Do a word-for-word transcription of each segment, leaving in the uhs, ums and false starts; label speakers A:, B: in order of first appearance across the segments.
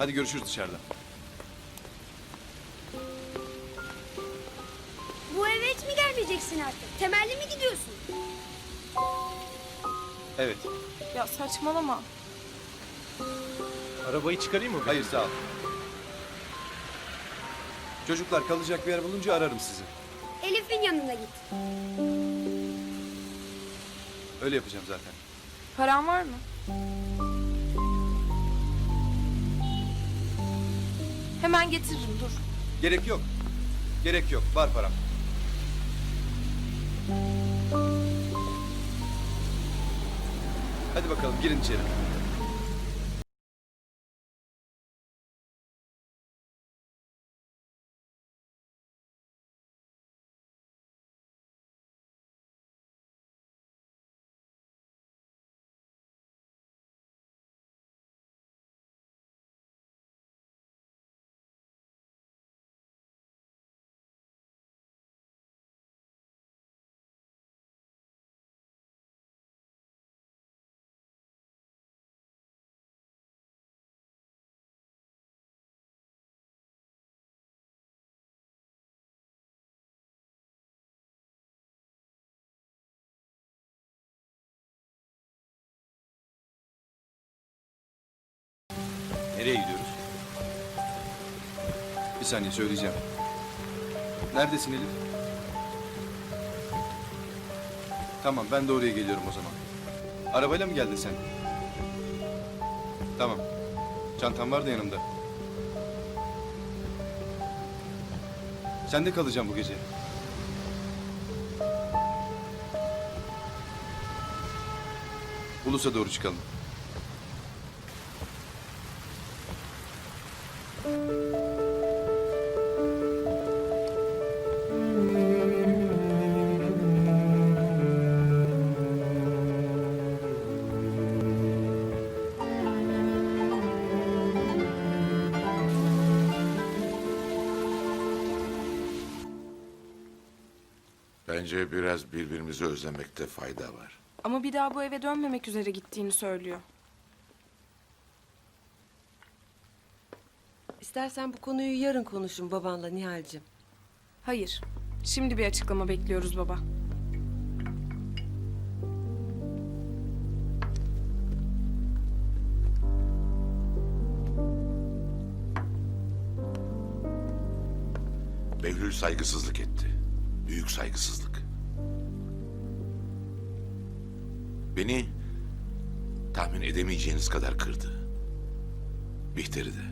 A: Hadi görüşürüz dışarıda.
B: Bu eve hiç mi gelmeyeceksin artık? Temelli mi gidiyorsun?
A: Evet.
C: Ya saçmalama.
D: Arabayı çıkarayım mı?
A: Hayır sağ ol. Çocuklar kalacak bir yer bulunca ararım sizi.
B: Elif'in yanına git.
A: Öyle yapacağım zaten.
C: Paran var mı? Hemen getiririm, dur.
A: Gerek yok. Gerek yok. Var param. Hadi bakalım girin içeri. Nereye gidiyoruz? Bir saniye söyleyeceğim. Neredesin Elif? Tamam ben de oraya geliyorum o zaman. Arabayla mı geldin sen? Tamam. Çantam var da yanımda. Sen de kalacağım bu gece. Ulus'a doğru çıkalım.
E: Bence biraz birbirimizi özlemekte fayda var.
C: Ama bir daha bu eve dönmemek üzere gittiğini söylüyor.
F: İstersen bu konuyu yarın konuşun babanla Nihal'cim.
C: Hayır, şimdi bir açıklama bekliyoruz baba.
E: Behlül saygısızlık etti. Büyük saygısızlık. Beni tahmin edemeyeceğiniz kadar kırdı. Bihter'i de.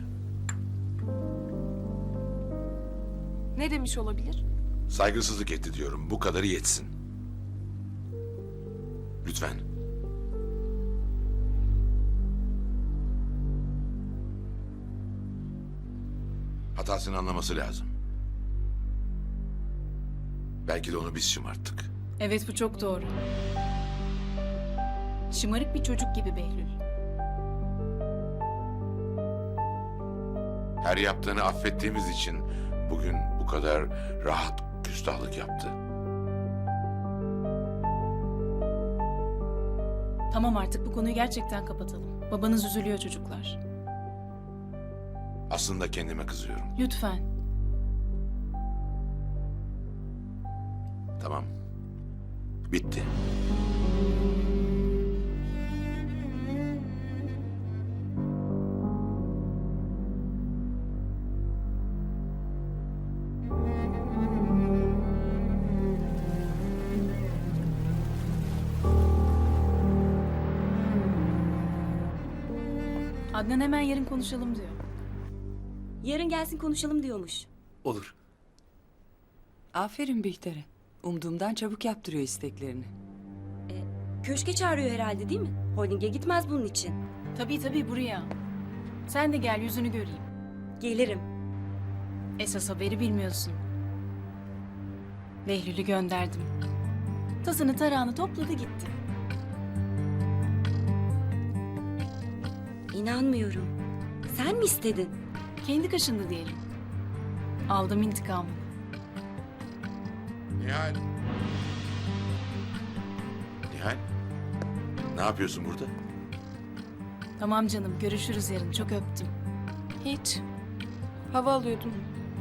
C: Ne demiş olabilir?
E: Saygısızlık etti diyorum. Bu kadarı yetsin. Lütfen. Hatasını anlaması lazım. Belki de onu biz şımarttık.
G: Evet, bu çok doğru. Şımarık bir çocuk gibi Behlül.
E: Her yaptığını affettiğimiz için bugün bu kadar rahat küstahlık yaptı.
G: Tamam, artık bu konuyu gerçekten kapatalım. Babanız üzülüyor çocuklar.
E: Aslında kendime kızıyorum.
G: Lütfen.
E: Tamam. Bitti.
G: Adnan hemen yarın konuşalım diyor.
H: Yarın gelsin konuşalım diyormuş.
D: Olur.
I: Aferin Bihter'e. Umduğumdan çabuk yaptırıyor isteklerini.
H: Köşke çağırıyor herhalde değil mi? Holding'e gitmez bunun için.
G: Tabii tabii, buraya. Sen de gel, yüzünü göreyim.
H: Gelirim.
G: Esas haberi bilmiyorsun. Behlül'ü gönderdim. Tasını tarağını topladı gitti.
H: İnanmıyorum. Sen mi istedin?
G: Kendi kaşındı diyelim. Aldım intikamını.
E: Nihal. Nihal. Ne yapıyorsun burada?
G: Tamam canım, görüşürüz yarın. Çok öptüm.
C: Hiç. Hava alıyordum.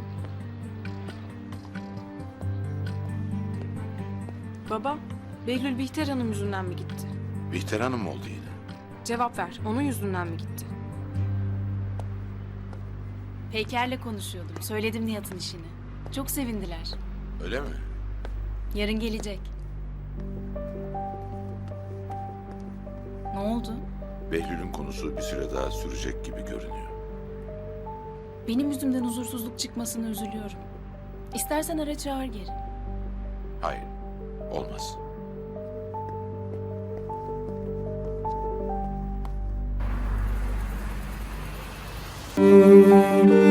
C: Baba, Behlül Bihter Hanım yüzünden mi gitti?
E: Bihter Hanım oldu yine.
C: Cevap ver. Onun yüzünden mi gitti?
G: Peyker'le konuşuyordum. Söyledim Nihat'ın işini. Çok sevindiler.
E: Öyle mi?
G: Yarın gelecek. Ne oldu?
E: Behlül'ün konusu bir süre daha sürecek gibi görünüyor.
G: Benim yüzümden huzursuzluk çıkmasına üzülüyorum. İstersen ara çağır geri.
E: Hayır, olmaz.
D: Müzik